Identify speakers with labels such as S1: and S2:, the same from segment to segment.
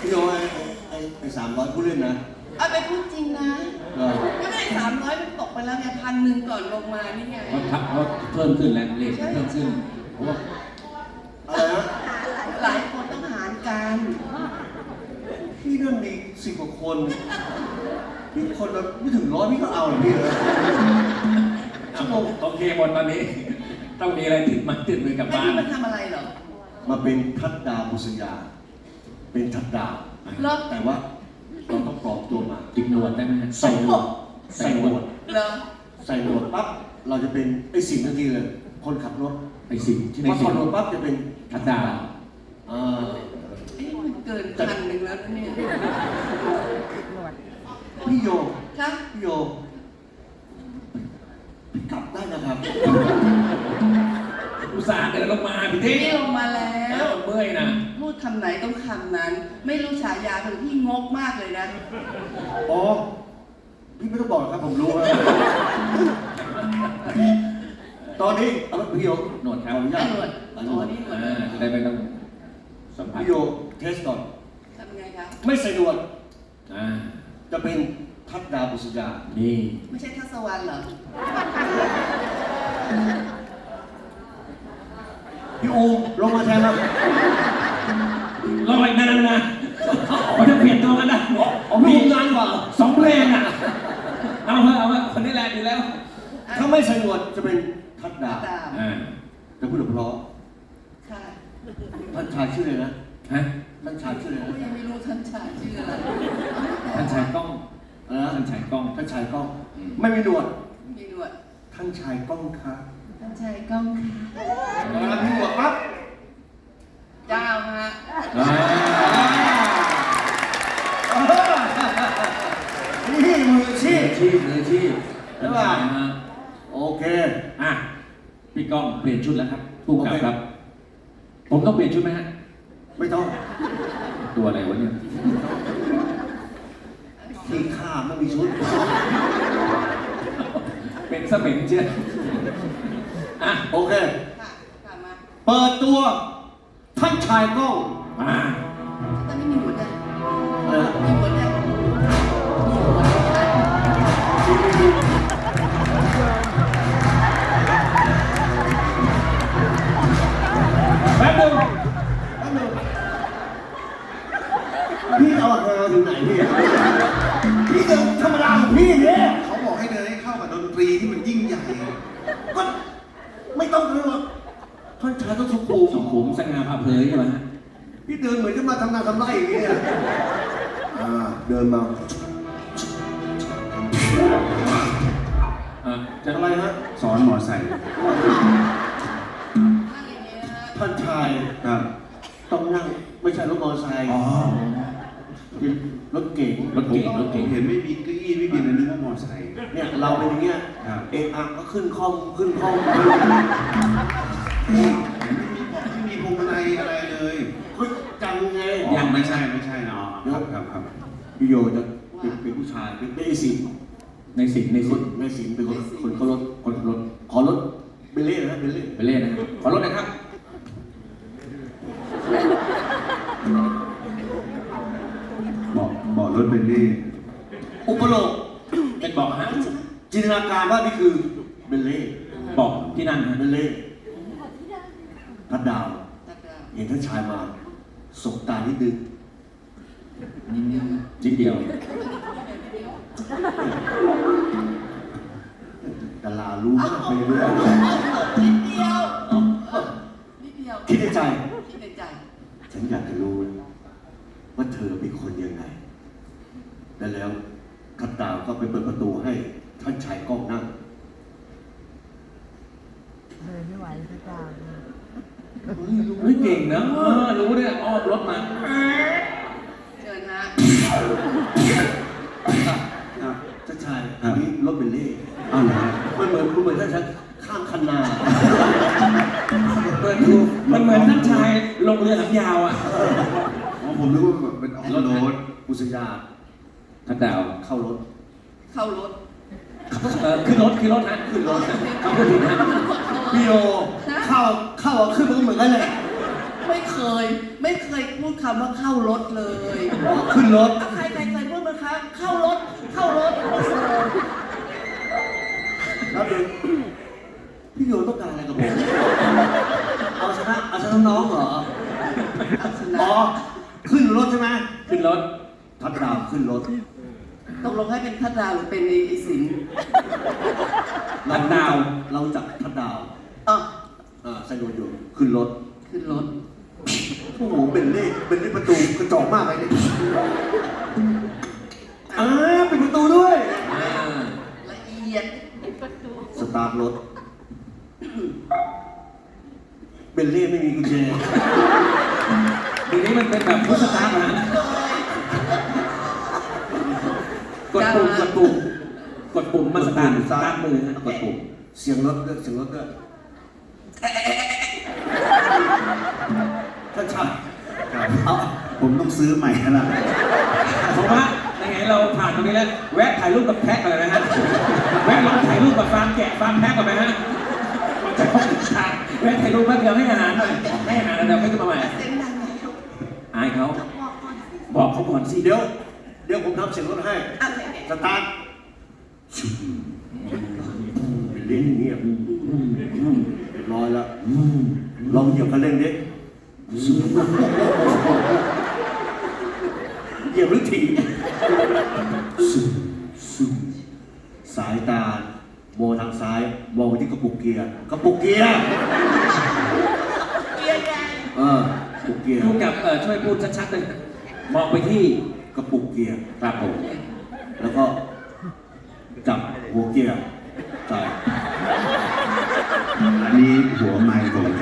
S1: พี่โยไอ้300ผู้เล่นนะ
S2: เอาไปพูดจริงนะก็ไม่ได้300มันตกไปแล้วไง1,000ก่อนลงมานี่ไง
S3: เขาเพิ่มขึ้นแล้วเลขเพิ่มขึ้นเพราะว่า
S1: อะไรนะ
S2: หลายคนต้องหารกัน
S1: พี่นั่นมี10 กว่าคนพี่คนละไม่ถึง100พี่ก็เอาเลยพี่เลยชั่วโมง
S3: โอเคหมดตอนนี้ต้องมีอะไรติดมือกลับบ้าน
S2: ไอ้นี่มันทำอะไรเหรอ
S1: มาเป็นทัดดาวบุษยาเป็นทัดดาวแต่ว่าเราต้องปลอมตัวมา
S3: ติดหนวดได้ไหม
S1: ใส่หนวดใส่หนวด
S2: ใส่
S1: หนวดปั๊บเราจะเป็นไอ้สิ่งทันทีเลยคนขับรถ
S3: ไอ้สิ่งที่
S1: พอถอดหนวดปั๊บจะเป็น
S3: ทัดดาว
S2: มันเกิน1,000แล้วเนี่ย
S1: พี่โย
S2: ครับ
S1: พี่โยพี่กลับได้นะครับ
S3: อุตส่าห์เดินลงมาพี่
S2: เที่ลงมาแล้ว
S3: เมื่อยนะ
S2: พูดคำไหนต้องคำนั้นไม่รู้ฉายาคือพี่งกมากเลยนะ
S1: อ๋อพี่ไม่ต้องบอกครับผมรู้ตอนนี้เอาพี่โย
S3: หนวดครับ
S2: หนวด
S3: หนวดจะได้ไม่ต้องสัมผัส
S1: พี่โยเทสก่อน
S2: ทำไงคะ
S1: ไม่ใส่หนวดจะเป็นทัดดาวบุษยา
S3: นี่
S2: ไม่ใช่ทัศวรรณเหรอ
S1: พี่อูลงมาแทนครับ
S3: รออีกนานนะเขาจะเปลี่ยนตัวกันนะ
S1: มีนานกว่า
S3: 2 เพลงอ่ะเอาคนนี้แหละดีแล้ว
S1: ถ้าไม่ใส่หนวดจะเป็นทัดดาวจะพูดเพราะท่านชายชื่ออะไรนะท่านชายชื่ออะไร
S2: ยังไม่รู้ท่านชายชื่ออะไร
S3: ท่านชายกล้องท่านชายกล้อง
S1: ท่านชายกล้องไม่มีหนวด
S2: มีหนวด
S1: ท่านชายกล้องค่ะ
S2: ท่านชายกล้องค่ะ
S1: มีหนวดปั๊บ
S2: เจ้าฮะ
S1: นี่มืออาชีพ
S3: ใช่ป่ะ
S1: โอเค
S3: พี่ก้องเปลี่ยนชุดแล้วครับผู้กำกับครับผมต้องเปลี่ยนชุดไหมฮะ
S1: ไม่ต้อง
S3: ตัวอะไรวะเนี่ย
S1: ที่ข้าไม่มีชุด
S3: เป็นสมิงเชีย
S1: โอเคเปิดตัวท่านชายกล้อง
S2: ตอนนี้มีหมดเลยมีหมดเลย
S3: แป๊บนึง
S1: พี่เอาหาถึงไหนพี่เดินธรรมดาของพี่เนี่ย
S4: เขาบอกให้เดินให้เข้ากับดนตรีที่มันยิ่งใหญ่
S1: ก็ไม่ต้องเลยหรอกท่านชายต้องสุ
S3: ขุมสง่าผ่าเผยใช่ไหมฮะ
S1: พี่เดินเหมือนจะมาทำงานทำไรอย่างเงี้ยเดินมา
S3: จะ
S1: อะไรฮะ
S3: สอนมอไซค์
S1: ท่านชายต้องนั่งไม่ใช่รถมอเตอร์ไซค์รถเก๋ง
S4: เห็นไม่มีเก้าอี้ไม่มีอะไรนึกว่ามอเตอร์ไซค์
S1: เนี่ยเราเป็นอย่างเงี้ยก็ขึ้นคล่อม
S4: ไม่มีพวงมาลัยอะไรเลย
S1: จังไง
S4: ยังไม่ใช่เนาะครับ
S1: พี่โยจะเป็นผู้ชายเป็นไอ้สิง
S3: ในสิงเป็น
S1: คนขอรถเบลเล่นะ
S3: เบลเล่นะขอรถนะครับ
S4: บอกรถเบลลี่
S1: อุปโลก
S3: เป็นบอกฮะ
S1: จินตนาการว่านี่คือเบลเล่
S3: บอกที่นั่น
S1: เบลเล่ทัดดาวเห็นท่านชายมาสบตานิดนึง
S3: นิดเดียว
S1: ดารารู้มากไปเรื่อย
S2: นิดเดียว
S1: คิดในใจ ฉันอยากจะรู้ว่าเธอเป็นคนยังไงแล้วทัดดาวก็ไปเปิดประตูให้ท่านชายกล้องนั่ง
S5: เลยไม่ไหวทัดดาว
S3: เก่งนะรู้เนี่ยอ้อมรถมา
S2: เชิญนะ
S1: ท่านชายนี่รถเบลเล่มันเหมือนท่านชายข้ามคันนา
S3: มันเหมือนท่านชายลงเรือหางยาวอ่ะ
S4: ผมนึกว่าแบบเป็นรถ
S1: บุษยา
S3: ทัดดาว
S1: เข้ารถ
S3: ขึ้นรถนะขึ้นรถเขาพูดถึงนะ
S1: พี่โยเข้าขึ้นมันก็เหมือนกันเลย
S2: ไม่เคยพูดคำว่าเข้ารถเลย
S1: ขึ้นรถ
S2: ใครเคยพูดไหมคะเข้ารถไม่เคย
S1: แล้วดูพี่โยต้องการอะไรกับผมเอาชนะน้องเหรอ
S2: เอาชนะ
S1: อ๋อขึ้นรถใช่ไหม
S3: ขึ้นรถ
S1: ทัดดาวขึ้นรถ
S2: ตกลงให้เป็นทัดดาวหรือเป็นไอ้สิงห์
S3: ทัดดาว
S1: เราจับทัดดาว
S2: อ๋อ
S1: ใส่รถอยู่ขึ้นรถ
S2: ขึ้นรถ
S1: โอ้โหเป็นเลขประตูกระจอกมากเลยเนี่ยเป็นประตูด้วย
S2: ละเอียด
S1: สตาร์ทรถเบลเล่ไม่มีกุญแจ
S3: เดี๋ยวนี้มันเป็นแบบพุทธตาร์นะกดปุ่มมันสตาร์ทมือนะ
S1: กดปุ่มเสียงรถด้วยท่านชายเอา
S4: ผมต้องซื้อใหม่แล้วล่ะ
S3: ผมว่ายังไงเราผ่านตรงนี้แล้วแวะถ่ายรูปกับแพะก่อนเลยนะฮะแวะลองถ่ายรูปกับฟาร์มแกะฟาร์มแพะก่อนไหมฮะมันจะต้องฉากแวะถ่ายรูปแป๊บเดียวให้อาหารหน่อยให้อาหารแล้วเดี๋ยวค่อยมาใหม่
S2: เสียงดังไหม
S3: อายเขาบอกเขาก่อนสิ
S1: เดี๋ยวผมทำเสียงรถให้
S2: อะไร
S1: สตาร์ทเป็นเล่นอย่างเงี้ยเรียบร้อยแล้วลองเหยียบคันเร่งดิเหยียบหรือถีบสายตามองทางซ้ายมองไปที่กระปุกเกียร์
S2: เกียร์ใหญ่
S1: กระปุกเกียร์
S3: พูดกับช่วยพูดชัดๆเลยมองไปที่
S1: กระปุกเกียร์
S3: ครับผม
S1: แล้วก็จับหัวเกียร์ใส่
S4: อันนี้หัวไม้ผมครับ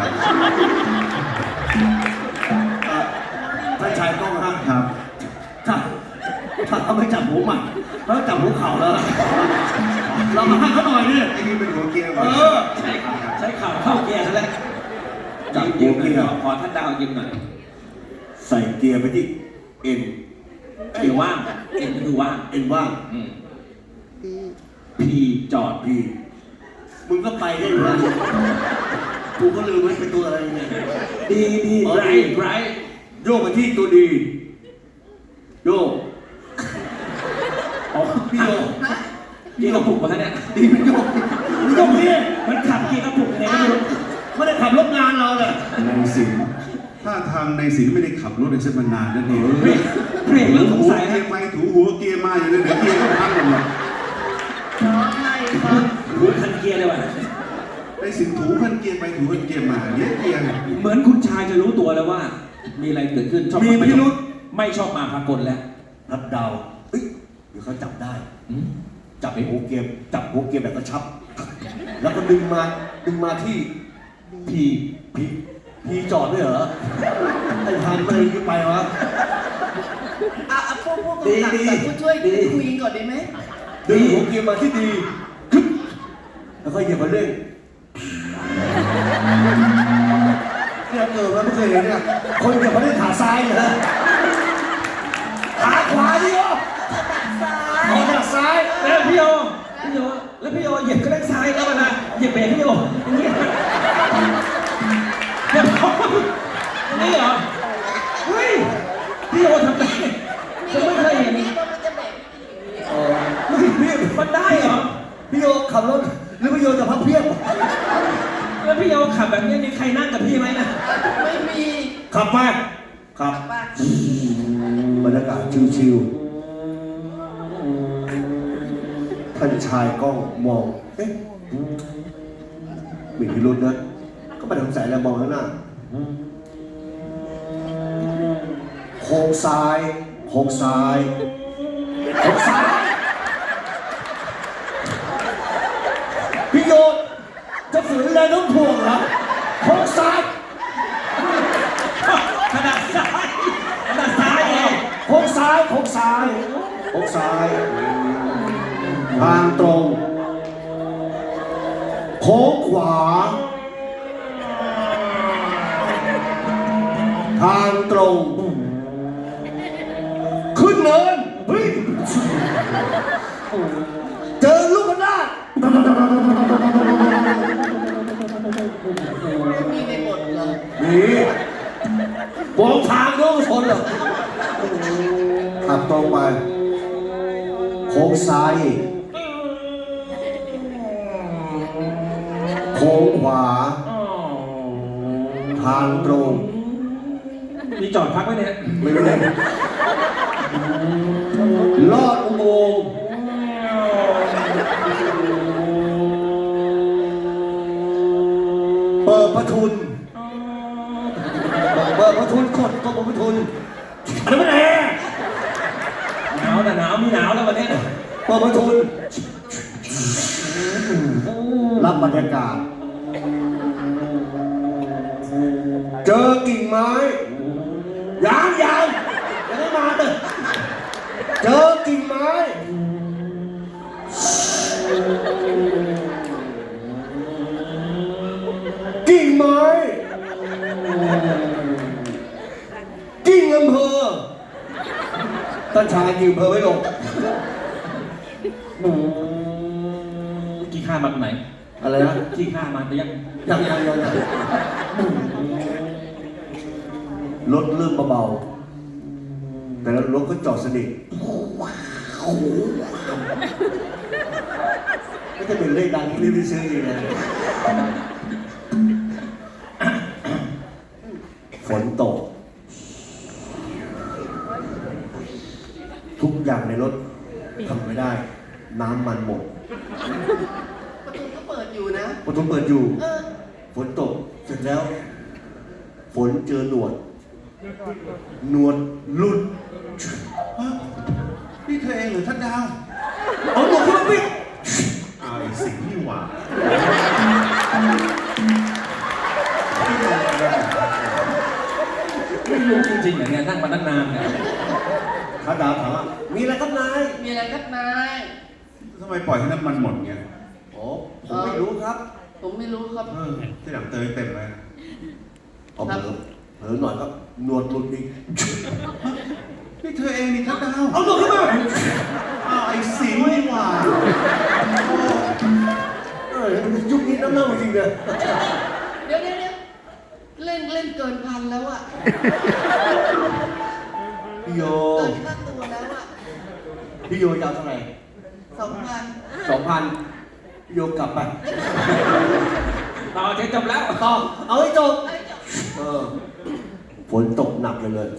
S1: ท่านชายต้องห้าม
S4: ครับ
S1: ถ้าเขาไม่จับหัวใหม่เขาจับหัวเข่าแล้วเรามาให้เขาหน่อยดิ
S4: ไอ้นี่เป็นหัวเกียร์ก่อน
S3: ใช้ข่าวเข้าเกียร์ซะแล้ว
S1: จับหั
S3: ยื
S1: ว
S3: มหน่
S1: เกีย
S3: อย
S1: ร์
S3: ขอท่านดาวยืมหน่อย
S1: ใส่เกียร์ไปที่เอ็น
S3: เกียร์ว่างเอ็นคือว่าง
S1: เอ็นว่าง
S3: พีจอด
S1: พี่มึงก็ไปได้อยู่แล้วกูก็ลืมไว้เป็นตัวอะไรเนี่ย
S3: ดีไร
S1: โยกไปที่ตัวดีโยก
S3: อ๋อ
S1: พี่โยก
S2: นะ
S3: เกียร์กระปุกมาเนี่ย
S1: ดีเป็นโยกมึงโยกนี่
S3: มันขับเกียร์กระปุกยังไงก็ไม่รู้
S1: ไม่ได้ขับรถงานเราเลย
S4: ในสินถ้าทางในสินไม่ได้ขับรถในเส้นมานานนั่นเอง
S3: เบรกเรื่องสง
S4: หัว
S3: สัย
S4: เกี
S3: นะ
S4: ยร์ไปถูหัวเกียร์มาอยู่เลยเดี๋ยวเกียร์ก็พังหมดเลย
S2: น้องไม่ครับ
S3: รู้ทันเกียร์เลยว่ะ
S4: ในสินถูคันเกียร์ไปถูคันเกียร์มาเนี่ยเกียร์
S3: เหมือนคุณชายจะรู้ตัวแล้วว่า มีอะไรเกิดขึ้นชอบ
S1: มีพิรุษ
S3: ไม่ชอบมาพากลแล้ว
S1: รับเดาเฮ้ยเดี๋ยวเขาจับได้
S3: อืม
S1: จับหัวเกมจับหัวเกมแบบกระชับ แล้วก็ดึงมาที่พีจอดด้วยเหรอไอ้พันมันเลยไปวะ
S2: พวกกำกับแต่ผู้ช่วยคุยก่อนได้ไหม
S1: ดึงหัวเกมมาที่ดีกึ๊บแล้วก็เหยียบมาเร่งเนี่ยมันไม่เคยเห็นเนี่ยคนเหยียบมาเร่งขาซ้ายเหรอขาขวาดิโอเอาจากซ้าย
S3: แล้วพี่โยแล้วพี่โยเหยียบก็ได้ซ้ายแล้วนะเหยียบเบรกพี่โยอย่างนี้เดี๋ยวนี่เหรอเฮ้ยพี่โยทำได้ผมไม่เคยเห็น
S2: นี่มันจะแบบ
S1: พี่
S3: มันได้เหรอ
S1: พี่โยขับรถหรือพี่โยจะพับเพียบ
S3: แล้วพี่โยขับแบบนี้มีใครนั่งกับพี่ไหมนะ
S2: ไม่มี
S1: ขับไปขับ
S2: บ้าน
S1: บรรยากาศชิวๆท่านชายกล้องมองเอ๊ะมีพิรุธนะก็ไม่ได้สงสัยแล้วมองข้างหน้าโค้งซ้ายโค้งซ้ายโค้งซ้ายพี่โยจะฝืนแรงโน้มถ่วงเหรอโค้งซ้าย
S3: ขนาดซ้ายไง
S1: โค้งซ้ายโค้งซ้ายโค้งซ้ายทางตรงโค้งขวาทางตรงขึ้นเนินเฮ้ยเจอลูกกระนาด
S2: ไม่มีในบทเหรอ
S1: นี่มองทางโน้นชนเหรอขับตรงไปโค้งซ้ายอีกโค้งขวาทางตรง
S3: มีจอดพักไว้เนี่ย
S1: ไม่รู้เลยลอดอุโมงค์เปิดประทุนเปิดประทุนกดก็เปิดประทุนอันนั้นมันแอร์
S3: หนาวแต่หนาวมีหนาวแล้ววันนี้
S1: เปิดประทุนรับบรรยากาศ เจอกิ่งไม้ยังไม่มาเลยเจอกิ่งไม้กิ่งอำเภอท่านชายกิ่งอำเภอไม่ลง
S3: กี่ข้ามาตรงไหน
S1: อะไรนะ
S3: กี่ข้ามาแต่ยัง
S1: ยังรถเริ่มเบาๆแต่แล้วรถก็จอดสนิทไม่จะเป็นเลขดังที่รีบซื้อเองนะฝนตก ทุกอย่างในรถทำไม่ได้ น้ำมันหมด
S2: ประตูก็เปิดอยู่นะ
S1: ประตูเปิดอยู่
S2: เออ
S1: ฝนตก เสร็จแล้ว ฝนเจอหนวดหลุด
S4: ฮะนี่เธอเองเหรือท่านดาว
S1: เอาหนวดขึ้นมาปิด
S4: เอาไอ้สิ่งที่หว่า
S3: ไม่รู้จริงๆเหรอเนี่ยนั่งมาตั้งนานเนี่ย
S1: ข้าดาวถามว่ามีอะไรครับนาย
S2: มีอะไรครับนาย
S4: ทำไมปล่อยให้น้ำมันหมดเงี้ย
S1: โอ้ผมไม่รู้ครับ
S2: ผมไม่รู้ครับ
S4: ที่หลังเตยเต็มเลย
S1: เอาเผลอหน่อยก็หนวดหลุดอีก
S4: นี่เธอเองนี่ท่านดาว
S1: เอาหนวดขึ้นมา
S4: เอาไอ้สิงนี่หว่า
S1: ยุคนี้น้ำเน่าจริงเลย
S2: เดี๋ยวเล่นเกินพันแล้วอะ
S1: พี่โย
S2: เกินค่าตัวแล้วอะ
S1: พี่โยจะเอาเท่าไหร่
S2: 2,000
S1: 2,000พี่โยกลับไป
S3: ต่อเจ๊จบแล้ว
S1: ต่อเอาให้จบ
S2: เอ้ยเดี๋ยว
S1: ฝนตกหนักเลย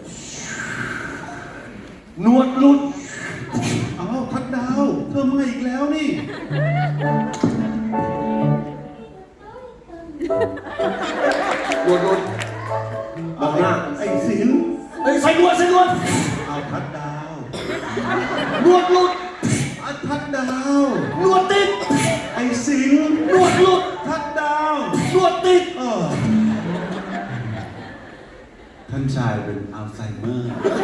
S1: หนวดหลุด
S4: เอาท่านดาวเธอมาอีกแล้วนี่
S1: หนวดหลุดมองหน้า
S4: ไอ้สิง
S1: เฮ้ยใส่หนวด
S4: เอาท่านดาว
S1: หนวดหลุด
S4: เอาท่านดาว
S1: หนวดติด
S4: ไอ้สิง
S1: หนวดหลุด
S4: ท่านดาว
S1: หนวดติด
S4: ท่านชายเป็นอัลไซเมอร์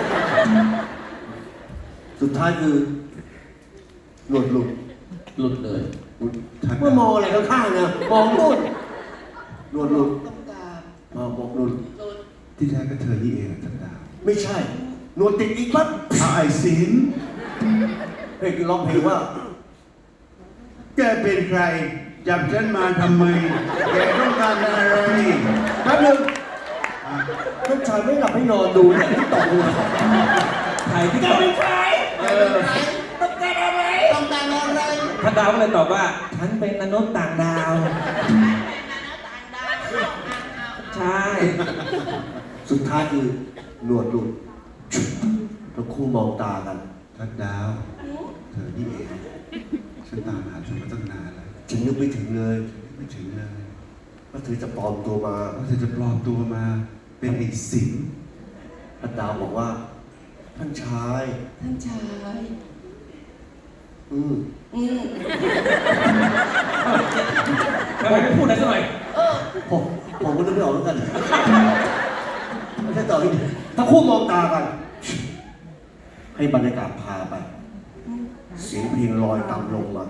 S1: สุดท้ายคือหนวดหลุด
S3: หลุดเลย
S1: เมื่อมองอะไรข้างๆนะมองนู่นหนวดหลุด
S2: ต้องการ
S1: บอกหลุด
S2: โดน
S4: ที่แท้ก็เธอนี่เองท่านดาว
S1: ไม่ใช่หนวดติดอีกปั๊บ
S4: เอาไอ้สิง
S1: เพลงร้องเพลงว่า
S4: แกเป็นใครจับฉันมาทำไม แกต้องการอะไร
S1: แป๊บนึงท่านชายไม่หลับไม่นอนดูเนี่ยที่ต่อหัว
S3: ใครที่ตอบ
S2: ต้องการอะไร
S3: ท่านดาวก็เลยตอบว่า ฉันเป็นมนุษย์ต่างดาว ใช่
S1: สุดท้ายคือหนวดหลุดแล้วคู่มองตากัน
S4: ท่านดาว เธอนี่เองฉันตามหาเธอมาตั้งนานแล้ว
S1: ฉันนึกไม่ถึงเลย
S4: ไม่ถึงเลย
S1: ว่าเธอจะปลอมตัวมา
S4: ว่าเธอจะปลอมตัวมา เป็นไอ้สิง
S1: ท่านดาวบอกว่า ท่านชาย
S2: ท่านชาย
S1: อืม
S3: ทำไมไม่พูดอะไรสักหน่อย
S1: ผมก็นึกไม่ออกเหมือนกันไม่ใช่ต่อที่ถ้าคู่มองตากัน ให้บรรยากาศพาไป เสียงเพลงลอยต่ำลงมา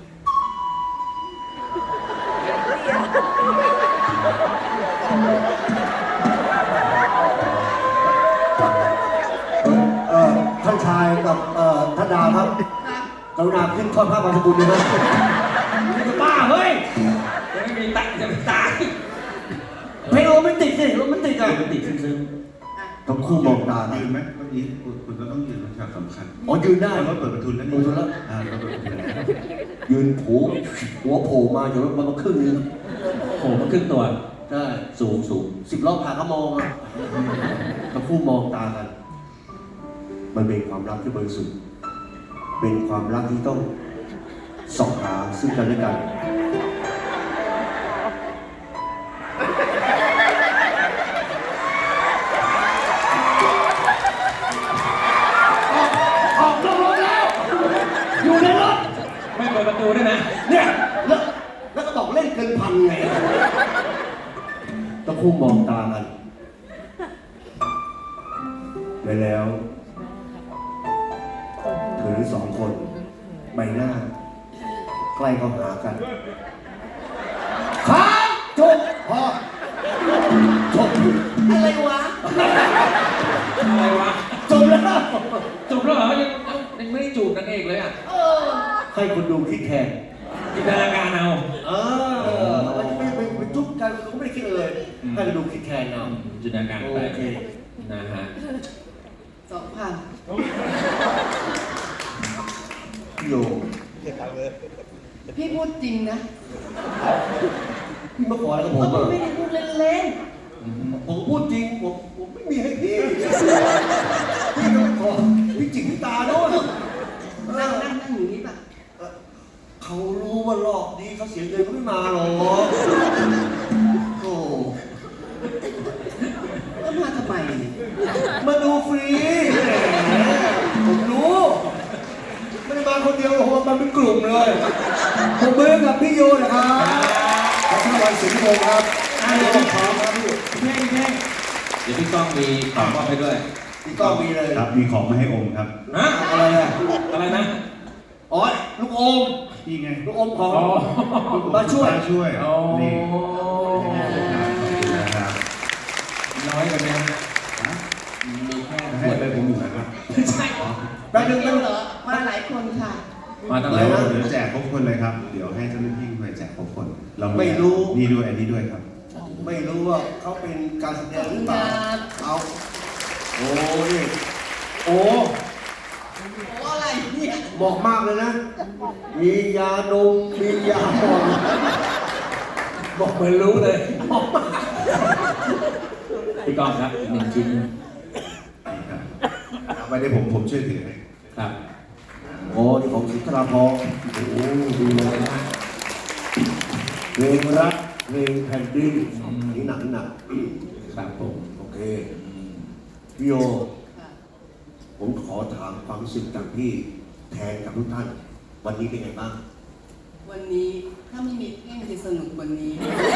S1: ท่านชายกับท่านดาวครับ
S2: ครับ
S1: กรุณาขึ้นทอดผ้าบางสกุลด้วยนะนี่จะบ้าเฮ้ย
S3: จะไม่มีตังค์จะไม่ตาย
S1: เพลงโรแมนติกสิโรแมนติกอะ
S3: มันติดซึ้ง
S2: อ่ะ
S1: ทั้งคู่มองตากัน
S4: ยืนไหมวันนี้คุณก็ต้องยืนเป็นฉากสำคัญ
S1: อ๋อยืนได้
S4: รถเปิดประตูแล้ว
S1: เปิดประตูแล้ว
S4: รถเปิดประตูแล้ว
S1: ยืนผูหัวโผล่มาอยู่รถมันมาครึ่งนึง
S3: โอ้โหมันขึ้นตัว
S1: ได้
S3: สูง
S1: 10 รอบผ่านก็มองอะทั้งคู่มองตากัน มันเป็นความรักที่บริสุทธิ์เป็นความรักที่ต้องส่องหาซึ่งกันและกัน ออกนอกรถแล้ว อยู่ในรถ
S3: ไม่เปิดประตูด้วยนะ
S1: เนี่ยแล้วก็บอกเล่นเกินพันไงต้องคู่มองตากันแล้วเธอทั้งสองคนใบหน้า ใกล้เข้าหากันครับจบพอจบ
S2: อะไรวะ
S3: อะไรวะ
S1: จบแล้ว
S3: จบแล้วเหรอยังไม่ได้จูบนางเอกเลยอ่ะ
S2: เออ
S1: ให้คนดูคิดแทน
S3: จินตนาการเอา
S1: มันไม่จุ๊บกันก็ไม่ได้คิดเลย ให้คนดูคิดแทนเอา
S3: จินตนาการไป
S1: โอเค
S3: นะฮะ
S2: 2,000
S1: พี่โย
S2: พี่พูดจริงนะ
S1: พี่มาขออะไรกับผ
S2: ก็
S1: ม
S2: พี่
S1: อ่ะ
S2: ไม่ได้พูดเล่น
S1: ผมพูดจริงผมไม่มีให้พี่พี่ก็ไม่ขอพี่จิกพี่ตาโน่น
S2: ๆนั่งอย่างนี้ป่ะ
S1: เขารู้ว่ารอบนี้เขาเสียเงินเขาไม่มาหรอกโอ้
S2: ก็มาทำไมเนี่ย
S1: มาดูฟรีผมรู้ไม่ได้มาคนเดียวโอ้โหมาเป็นกลุ่มเลยผมเบิร์กับพี่โยนะครับขอบคุณวันสิงห์โมครับพี่โยพร้อมครับพี่
S3: เท่เดี๋ยวพี่ก้องมีของมอบให้ด้วย
S1: พี่ก้องมีเลย
S4: ครับ มีของมาให้อมครับ
S3: ฮะ
S1: อะไรอ่ะ
S3: อะไรนะ
S1: อ๋อลูกอม
S4: นี่ไง
S1: ลูกอมของ
S3: อ๋อ
S1: มาช่วย
S4: มาช่วย
S3: อ๋อ
S4: นี่นะครับ
S3: น้อยไปไหมฮะมีแค่
S4: ให้ไปผมอยู่นะครับ
S3: ไม่ใช่
S1: แป๊บนึง
S2: เดียวเหรอ มาหลายคนค่ะ
S3: มาตั้งห
S4: เดี๋
S3: ลาย
S4: ยว
S3: วัน
S4: เดี๋ยวแจกครบคนเลยครับ เดี๋ยวให้เจ้าหน้าที่ไปแจกครบคน เรา
S1: ไม่รู้
S4: นี่ด้วยอันนี้ด้วยครับ
S1: ไม่รู้ว่าเขาเป็นการแสดงหรือเปล่าเอาโอ้นี่โอ้
S2: โอ้อะไรเนี่ย
S1: บอกมากเลยนะ มียาดมมียาหมอง
S3: บอกเหมือนรู้เลยพี่ก้องครับอีก1 ชิ้น
S4: เอาไปได้ผมช่วยถือให้
S3: ครับ
S1: โอ้นี่ของสุนทราภรณ์โอ้ดูเลยนะเพลงรักเพลงแผ่นดินนี่หนัก
S3: ครับผม
S1: โอเคพี่โย ผมขอถามความรู้สึกจากพี่แทนกับทุกท่าน วันนี้เป็นไงบ้าง
S2: วันนี้ถ้าไม่มีเพ่งจะสนุกกว่านี้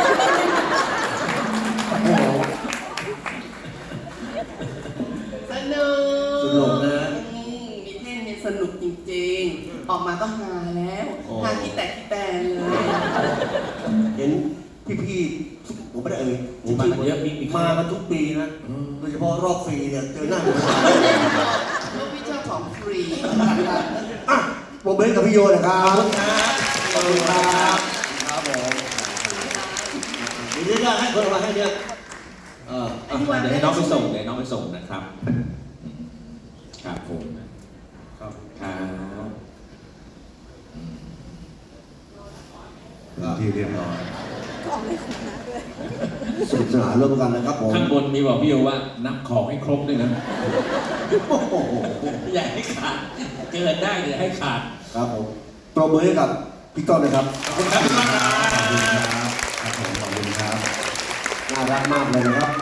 S1: โอ้โห
S2: สนุก
S1: สนุกนะ
S2: มีเพ่งเนี่ยสนุกจริงๆ ออกมาก็ฮาแล้ว
S1: โอ้
S2: ฮาที่แตกที่แตนเลย
S1: เห็นพี่ๆผมไม่ได้เอ่ย
S3: โอ้มากันเยอะมี
S1: มากันทุกปีนะ โดยเฉพาะรอบฟรีเนี่ยเจอหน้าผม
S2: ไม่ได้หรอกเพราะพี่ชอบของฟรี
S1: อ่ะผมเบนกับพี่โยนะครับขอบคุณครับครับผมเดี๋ยวจะให้คนมาให้เนี่ย
S3: เดี๋ยวให้น้องไปส่งเดี๋ยวน้องไปส่งนะครับ ครับผม
S1: ครับ
S3: ครับ
S4: ที่เรียบร้อย
S1: สนุกสนานร่วมกันนะครับผม
S3: ข้างบนมีบอกพี่โยว่านับของให้ครบด้วยนะ
S1: โอ้โห
S3: อย่าให้ขาด เกินได้อย่าให้ขาด
S1: ครับผมปรบมือให้กับพี่ต้นนะครับ
S3: ขอบคุณครับพี่ก้องครับ
S4: ขอบคุณครับ ครับผมขอบคุณครับ
S1: น่ารักมากเลยนะครับ